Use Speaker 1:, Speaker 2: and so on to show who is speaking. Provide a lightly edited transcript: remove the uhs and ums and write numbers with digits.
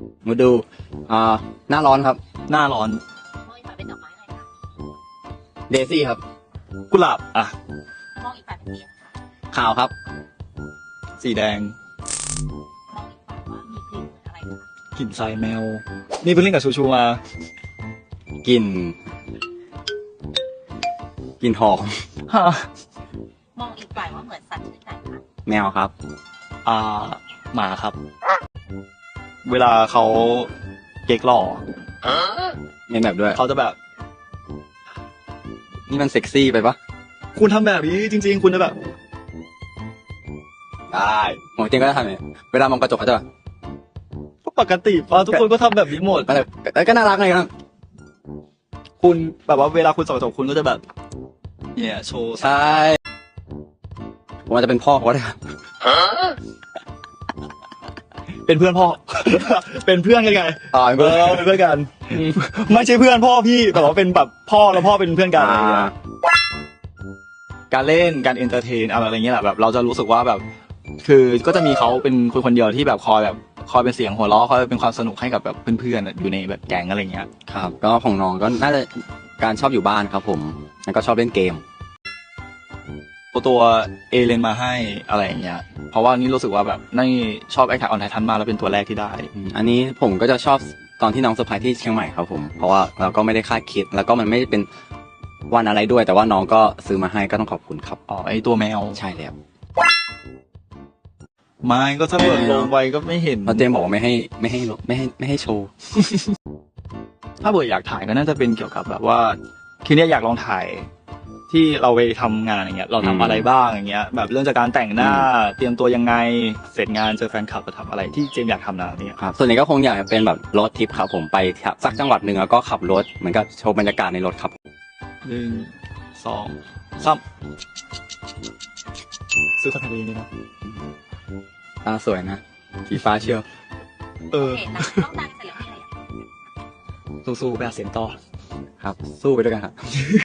Speaker 1: มาดูหน้าร้อนครับ
Speaker 2: หน้าร้อน
Speaker 3: มองอีกฝ่ายเป็นดอกไม้อะไรคะ
Speaker 1: เดซี่ครับ
Speaker 2: กุหลาบอ่ะ
Speaker 3: มองอีกฝ่ายเป็นสีอะไรคะ
Speaker 1: ขาวครับ
Speaker 2: สีแดง
Speaker 3: มองอีกฝ่ายว่ามีกลิ่นเหมือนอะไรคะ
Speaker 2: กลิ่นทรายแมว นี่เพิ่งเล่นกับชูชูมา
Speaker 1: กลิ่นหอม
Speaker 2: ฮะ
Speaker 3: มองอีกฝ่ายว่าเหมือนสัตว์ชนิดไหนคะ
Speaker 1: แมวครับ
Speaker 2: หมาครับ เวลาเขาเก๊กหล่อ
Speaker 1: มีแบบด้วย
Speaker 2: เขาจะแบบ
Speaker 1: นี่มันเซ็กซี่ไปปะ
Speaker 2: คุณทำแบบนี้จริง ๆ คุณจะแบบ
Speaker 1: ได้หมอเตียงก็จะทำเนี่ยเวลามองกระจกเขาจะแบบ
Speaker 2: ปกติป่ะทุกคนก็ทำแบบนี้หมด
Speaker 1: มันแบบก็น่ารักเลยครับ
Speaker 2: คุณแบบว่าเวลาคุณส่องกระจกคุณก็จะแบบเนี่ยโชว์
Speaker 1: ใช่ผมอาจจะเป็นพ่อเขาก็ได้ครับ
Speaker 2: เป็นเพื่อนพ่อ เป็นเพื่อนกันไง
Speaker 1: เป็นเพื่อน
Speaker 2: เป็นเพื่อนกัน ไม่ใช่เพื่อนพ่อพี่แต่ว่าเป็นแบบพ่อแล้วพ่อเป็นเพื่อนกันอะไรอย่างเงี้ยการเล่นการเอนเตอร์เทนอะไรอย่างเงี้ยแหละแบบเราจะรู้สึกว่าแบบ คือก็จะมีเขาเป็นคนเดียวที่แบบคอยเป็นเสียงหัวเราะคอยเป็นความสนุกให้กับแบบเพื่อนๆอยู่ในแบบแก๊งอะไรเงี้ย
Speaker 1: ครับ ก็ของน้องก็น่าจะการชอบอยู่บ้านครับผมแล้วก็ชอบเล่นเกม
Speaker 2: ตัวเอเลนมาให้อะไรอย่างเงี้ยเพราะว่านี่รู้สึกว่าแบบนี่ชอบแอคแท็กออนไททันมากแล้วเป็นตัวแรกที่ได้
Speaker 1: อันนี้ผมก็จะชอบตอนที่น้องเซอร์ไพรส์ที่เชียงใหม่ครับผมเพราะว่าเราก็ไม่ได้คาดคิดแล้วก็มันไม่ได้เป็นวันอะไรด้วย แต่ว่าน้องก็ซื้อมาให้ก็ต้องขอบคุณครับ
Speaker 2: อ๋อไอตัวแมว
Speaker 1: ใช่แล้ว
Speaker 2: ไม่ก็ถ้าเปิดลงไว้ก็ไม่เห็น
Speaker 1: เพราะเจมบอกว่าไม่ให้โชว์
Speaker 2: ถ้าเบิร์ดอยากถ่ายก็น่าจะเป็นเกี่ยวกับแบบว่าคืนนี้อยากลองถ่ายที่เราไปทำงานอย่างเงี้ยเราทำอะไรบ้างอย่างเงี้ยแบบเรื่องจากการแต่งหน้าเตรียมตัวยังไงเสร็จงานเจอแฟนคลับจะทำอะไรที่เจมส์อยากทำนะเนี่ย
Speaker 1: ครับส่วนใหญ่ก็คงอยากจะเป็นแบบรถทริปครับผมไปสักจังหวัดหนึ่งแล้วก็ขับรถเหมือนกับโชว์บรรยากาศในรถครับ
Speaker 2: 1 2 3ซื้อคอนเทนต์นี่นะ
Speaker 1: ตาสวยนะสีฟ้าเชียว
Speaker 2: เออ
Speaker 3: โอเคนะต้องดังเสร็จแล้วมีอะไรอยาก
Speaker 2: สู้ๆไปหาเสียงต่อ
Speaker 1: ครับ สู้ไปด้วยกันครับ